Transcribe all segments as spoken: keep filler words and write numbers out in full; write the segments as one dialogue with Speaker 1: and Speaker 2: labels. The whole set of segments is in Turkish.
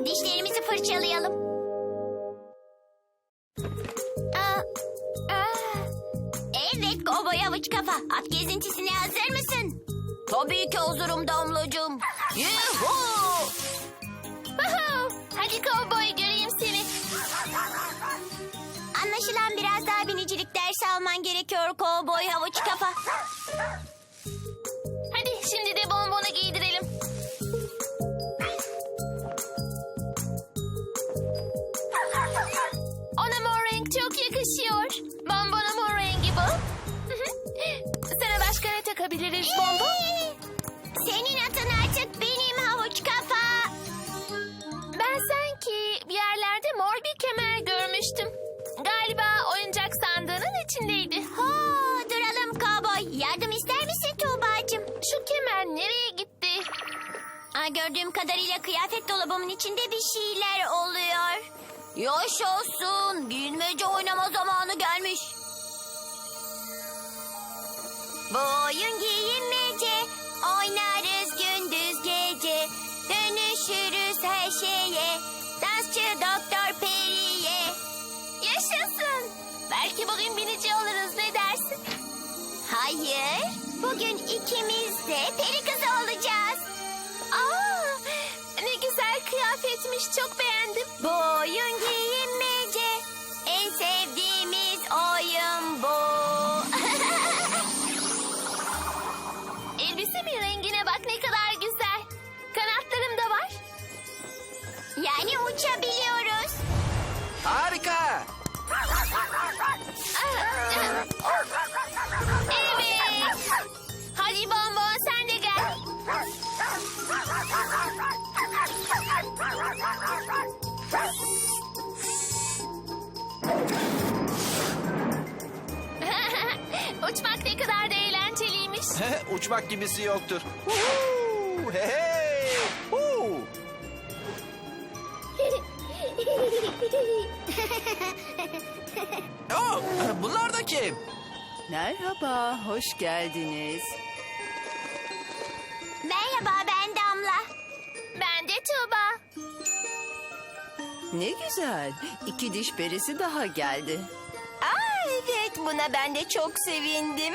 Speaker 1: Dişlerimizi fırçalayalım. Aa, aa. Evet kovboy havuç kafa. At gezintisine hazır mısın? Tabii ki hazırım Damlacığım. Yuhuu! Hadi kovboy göreyim seni. Anlaşılan biraz daha binicilik dersi alman gerekiyor kovboy havuç kafa. Hadi şimdi de bonbonu giydirelim. Ona mor renk çok yakışıyor. Bonbona mor rengi bu. Sana başka ne takabiliriz bonbon? Senin atın artık benim havuç kafa. Ben sanki bir yerlerde mor bir kemer görmüştüm. Galiba oyuncak sandığının içindeydi. Ha, duralım kovboy. Yardım ister misin Tuğba'cığım? Şu kemer nereye gitti? Aa, gördüğüm kadarıyla kıyafet dolabımın içinde bir şeyler oluyor. Yaşasın. Bilmece oynama zamanı gelmiş. Bu oyun giyinmece. Oynarız gündüz gece. Dönüşürüz her şeye. Dansçı Doktor Peri'ye. Yaşasın. Belki bugün binici oluruz, ne dersin? Hayır. Bugün ikimiz de peri kızı olacağız. Aa, ne güzel kıyafetmiş. Çok beğendim. Bu oyun giyinmece. En sevdiğimiz oyun bu. Elbisemin rengine bak, ne kadar güzel. Kanatlarım da var. Yani uçabiliyoruz.
Speaker 2: Harika.
Speaker 1: Evet. Hadi bonbon sen de gel. Uçmak ne kadar da eğlenceliymiş.
Speaker 2: Uçmak gibisi yoktur. Huu, hey, hey. Huu. Oh, bunlar da kim?
Speaker 3: Merhaba, hoş geldiniz.
Speaker 1: Merhaba, ben Damla. Ben de Tuğba.
Speaker 3: Ne güzel, iki diş perisi daha geldi.
Speaker 1: Aa, evet, buna ben de çok sevindim.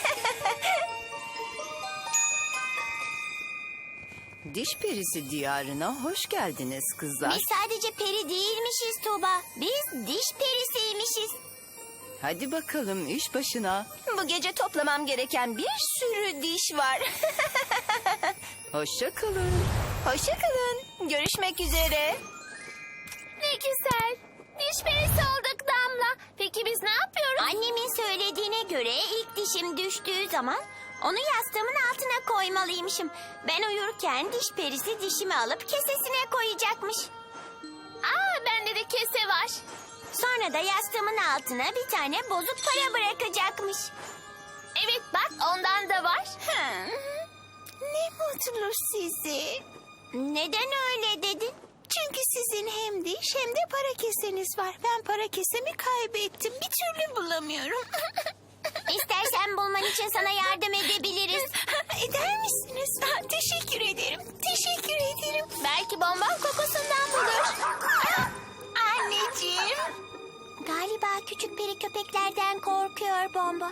Speaker 3: Diş perisi diyarına hoş geldiniz kızlar.
Speaker 1: Biz sadece peri değilmişiz Tuğba. Biz diş perisiymişiz.
Speaker 3: Hadi bakalım iş başına.
Speaker 1: Bu gece toplamam gereken bir sürü diş var.
Speaker 3: Hoşça kalın.
Speaker 1: Hoşça kalın. Görüşmek üzere. Ne güzel. Diş perisi olduk Damla. Peki biz ne yapıyoruz? Annemin söylediğine göre ilk dişim düştüğü zaman onu yastığımın altına koymalıymışım. Ben uyurken diş perisi dişimi alıp kesesine koyacakmış. Aa, bende de kese var. Sonra da yastığımın altına bir tane bozuk para bırakacakmış. Evet bak, ondan da var. Hmm. Ne mutlu sizi. Neden öyle dedin? Çünkü sizin hem diş hem de para keseniz var. Ben para kesemi kaybettim. Bir türlü bulamıyorum. İstersen bulman için sana yardım edebiliriz. Eder misiniz? Teşekkür ederim. Teşekkür ederim. Belki bonbon kokusundan bulur. Anneciğim. Galiba küçük peri köpeklerden korkuyor bonbon.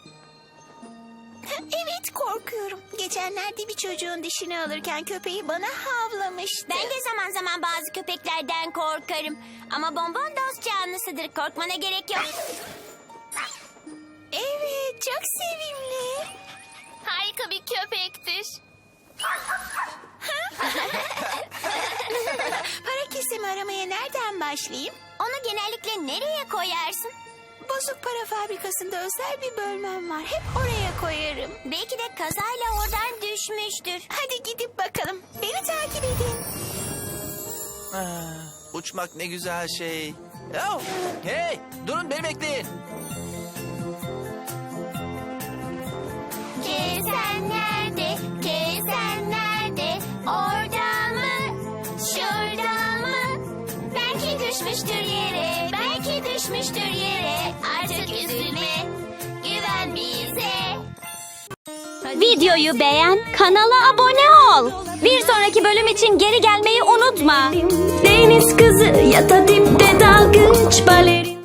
Speaker 1: Evet, korkuyorum. Geçenlerde bir çocuğun dişini alırken köpeği bana havlamıştı. Ben de zaman zaman bazı köpeklerden korkarım. Ama bonbon dost canlısıdır. Korkmana gerek yok. Evet, çok sevimli. Harika bir köpektir. Para kesemi aramaya nereden başlayayım? Onu genellikle nereye koyarsın? Bozuk para fabrikasında özel bir bölmem var. Hep oraya koyarım. Belki de kazayla oradan düşmüştür. Hadi gidip bakalım. Beni takip edin.
Speaker 2: Ah, uçmak ne güzel şey. Oh, hey, durun, beni bekleyin.
Speaker 1: Kesen nerede? Kesen nerede? Orada mı? Şurada mı? Belki düşmüştür yere. Belki düşmüştür yere. Artık üzülme. Güven bize.
Speaker 4: Videoyu beğen, kanala abone ol.
Speaker 1: Bir sonraki bölüm için geri gelmeyi unutma. Deniz kızı